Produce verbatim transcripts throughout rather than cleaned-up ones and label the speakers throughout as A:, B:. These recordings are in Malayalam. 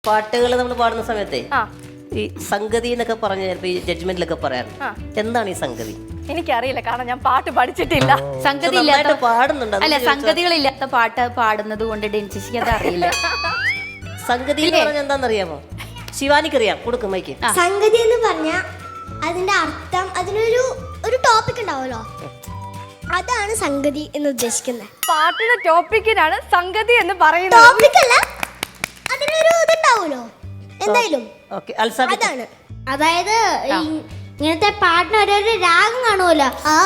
A: പാട്ടുകൾ നമ്മൾ പാടുന്ന സമയത്തെ ഈ സംഗതി എന്നൊക്കെ പറഞ്ഞ ചിലപ്പോ ഈ ജഡ്ജ്മെന്റിലൊക്കെ പറയാറുണ്ട്. എന്താണ് ഈ സംഗതി?
B: എനിക്കറിയില്ല, കാരണം ഞാൻ പാട്ട് പഠിച്ചിട്ടില്ല.
C: സംഗതി ഇല്ലാത്ത
A: പാടുന്നുണ്ട്.
C: അല്ല, സംഗതികളില്ലാത്ത പാട്ട് പാടുന്നത് കൊണ്ട് ഡെൻസിക്ക് അത് അറിയില്ല.
A: സംഗതി എന്ന് പറഞ്ഞാൽ എന്താണെന്നറിയാമോ? ശിവാനിക്കറിയാം, കൊടുക്കും മൈക്ക്.
D: സംഗതി എന്ന് പറഞ്ഞ അതിന്റെ അർത്ഥം, അതിനൊരു ഒരു ടോപ്പിക് ഉണ്ടാവുമല്ലോ, അതാണ് സംഗതി എന്ന് ഉദ്ദേശിക്കുന്നത്.
B: പാട്ടിന്റെ ടോപ്പിക്കിനാണ് സംഗതി എന്ന് പറയുന്നത്.
D: ടോപ്പിക് അല്ല, അതിനൊരു ഇതുണ്ടാവുമല്ലോ എന്തായാലും.
A: അതാണ്
D: അതായത് ഇങ്ങനത്തെ പാട്ടിന് ഓരോരോ രാഗം കാണുമല്ലോ,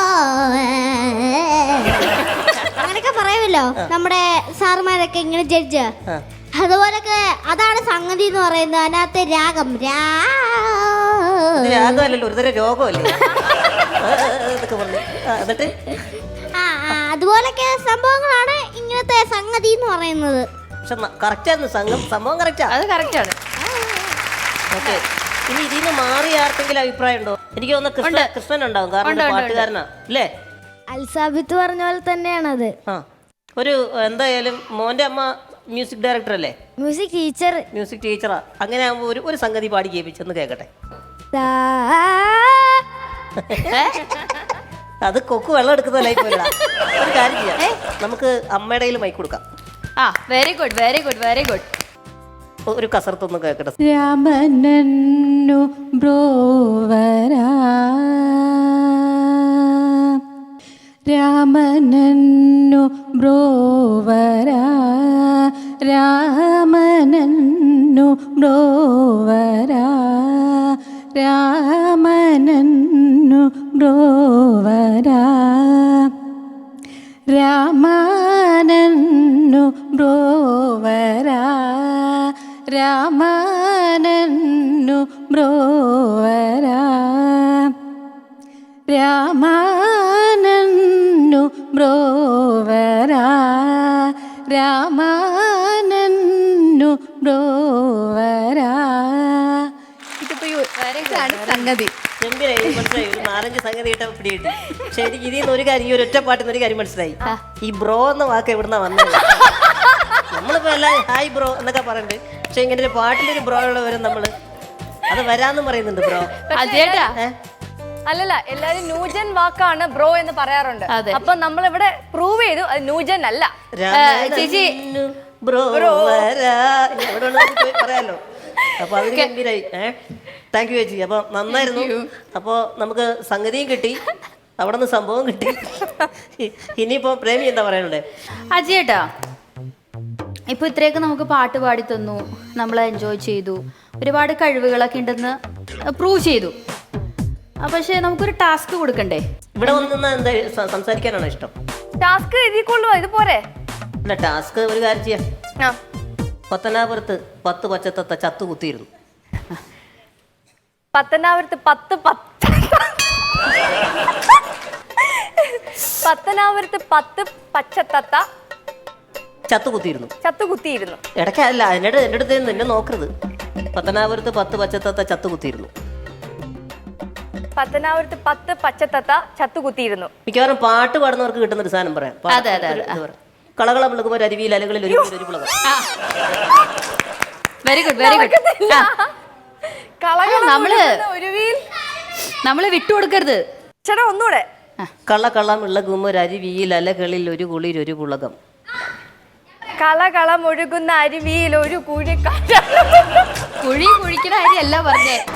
D: അങ്ങനെയൊക്കെ പറയുമല്ലോ നമ്മുടെ സാറുമാരൊക്കെ ഇങ്ങനെ ജഡ്ജ്. അതുപോലൊക്കെ അതാണ് സംഗതി എന്ന് പറയുന്നത്. അതിനകത്ത് രാഗം
A: രാഗമല്ലല്ലോ, ഒരുതരം രോഗമല്ലേ.
D: അതുപോലൊക്കെ സംഭവങ്ങളാണ് ഇങ്ങനത്തെ സംഗതി എന്ന് പറയുന്നത്.
A: സംഭവം കറക്റ്റാ,
C: അത് കറക്റ്റാണ്.
A: ഓക്കെ, ഇനി ഇതിന്ന് മാറി ആർക്കെങ്കിലും അഭിപ്രായം ഉണ്ടോ? എനിക്ക് തോന്നുന്നു കൃഷ്ണൻ ഉണ്ടാവും, കാരണം പാട്ടുകാരനാ അല്ലേ?
D: അൽസാബിത്ത് പറഞ്ഞ പോലെ തന്നെയാണത്.
A: ആ, ഒരു എന്തായാലും മോന്റെ അമ്മ മ്യൂസിക് ഡയറക്ടർ അല്ലേ?
D: Music teacher.
A: മ്യൂസിക് ടീച്ചറാ. അങ്ങനെ ആകുമ്പോൾ ഒരു ഒരു സംഗതി പാടി കേൾപ്പിച്ചെന്ന് കേൾക്കട്ടെ. അത് കൊക്ക് വെള്ളം എടുക്കുന്നതല്ലായി പോലെടാ. ഒരു കാര്യം ചെയ്യാം, നമുക്ക് അമ്മയുടെ കയ്യിൽ മൈക്ക് കൊടുക്കാം.
C: ആ, very good very good very good.
A: ഒരു കസർത്തൊന്നും കേൾക്കട്ടെ.
E: രാമനന്നു ബ്രോവരാ, രാമനന്നു ബ്രോവരാ, രാമനന്നു ബ്രോവരാ, രാമനന്നു ബ്രോവരാ, രാമനന്നു ബ്രോവരാ, രാമനന്നു ബ്രോവരാ, രാമനന്നു ബ്രോവരാ, രാമനന്നു ബ്രോവരാ.
C: ഇതിപ്പോ ഇതാണ് സംഗതി.
A: ഗംഭീരായി, മനസ്സിലായി. ഒരു നാലഞ്ച് സംഗതി ഇട്ട പിടിയിട്ട്. പക്ഷെ എനിക്ക് ഇതിൽ നിന്ന് ഒരു കാര്യം, ഈ ഒരു ഒറ്റ പാട്ടിൽ നിന്ന് ഒരു കാര്യം മനസ്സിലായി. ഈ ബ്രോ എന്ന വാക്ക് എവിടുന്നാ വന്നത്? നമ്മളിപ്പോ എല്ലാം ഹായ് ബ്രോ എന്നൊക്കെ പറയുന്നുണ്ട്, പക്ഷെ ഇങ്ങനെ ഒരു പാട്ടിലൊരു ബ്രോ ഉള്ള വരും നമ്മള് അത് വരാന്ന് പറയുന്നുണ്ട്. ബ്രോ
B: അല്ലല്ല, എല്ലാരും ന്യൂജൻ വാക്കാണ് ബ്രോ എന്ന് പറയാറുണ്ട്. അപ്പൊ നമ്മൾ ഇവിടെ പ്രൂവ് ചെയ്തു അത് ന്യൂജൻ അല്ല.
C: ചേച്ചി
A: ബ്രോ പറയാലോ. അപ്പൊ അതിന് ഗംഭീരായി. ഏഹ് താങ്ക് യു ചേച്ചി. അപ്പൊ നന്നായിരുന്നു. അപ്പൊ നമുക്ക് സംഗതിയും കിട്ടി, അവിടെ നിന്ന് സംഭവം കിട്ടി. ഇനിയിപ്പോ പ്രേമി എന്താ പറയാനുള്ളത്?
C: അജയേട്ടാ, ഇപ്പൊ ഇത്രയൊക്കെ നമുക്ക് പാട്ട് പാടി തന്നു, നമ്മൾ എൻജോയ് ചെയ്തു, ഒരുപാട് കഴിവുകളൊക്കെ ഉണ്ടെന്ന് പ്രൂവ് ചെയ്തു. പക്ഷെ നമുക്കൊരു ടാസ്ക് കൊടുക്കണ്ടേ?
A: ഇവിടെ വന്ന് എന്താ സംസാരിക്കാനാണോ ഇഷ്ടം?
B: ടാസ്ക് എഴുതിക്കൊള്ളു, ഇത് പോരെ?
A: അല്ല, ടാസ്ക് ഒരു കാര്യം ചെയ്യാം. പത്തനാപുരത്ത് പത്ത് പച്ചത്തത്ത ചത്തു കുത്തിയിരുന്നു.
B: പത്തനാപുരത്ത് പത്ത് പത്ത് പത്തനാപുരത്ത് പത്ത് പച്ചത്തത്ത
A: ചത്തു കുത്തിയിരുന്നു.
B: ചത്തു കുത്തിയിരുന്നു.
A: ഇടയ്ക്കല്ല, എന്നോട് എൻ്റെ അടുത്ത് നിന്നെ നോക്കരുത്. പത്തനാപുരത്ത് പത്ത് പച്ചത്തത്ത ചത്തു കുത്തിയിരുന്നു.
B: പത്തനാപുരത്ത് പത്ത് പച്ചത്തത്ത ചത്തു കുത്തിയിരുന്നു.
A: മിക്കവാറും പാട്ട് പാടുന്നവർക്ക് കിട്ടുന്ന ഒരു സാധനം പറയാം. കളകളം വിളക്കുമ്പോൾ അരുവിയിൽ അലകളിൽ ഒരു ഒരു പുളകം.
C: Very good very good. നമ്മള് നമ്മള് വിട്ടുകൊടുക്കരുത്.
B: ചേട്ടാ ഒന്നുകൂടെ.
A: കളകളം വിളകുമ്പോൾ ഒരു അരുവിയിൽ അലകളിൽ ഒരു കുളിർ ഒരു പുളകം.
B: കളകളം ഒഴുകുന്ന അരുവിയിൽ ഒരു കുഴി.
C: കുഴി കുഴിക്കുന്ന അരിയല്ല പറഞ്ഞേ.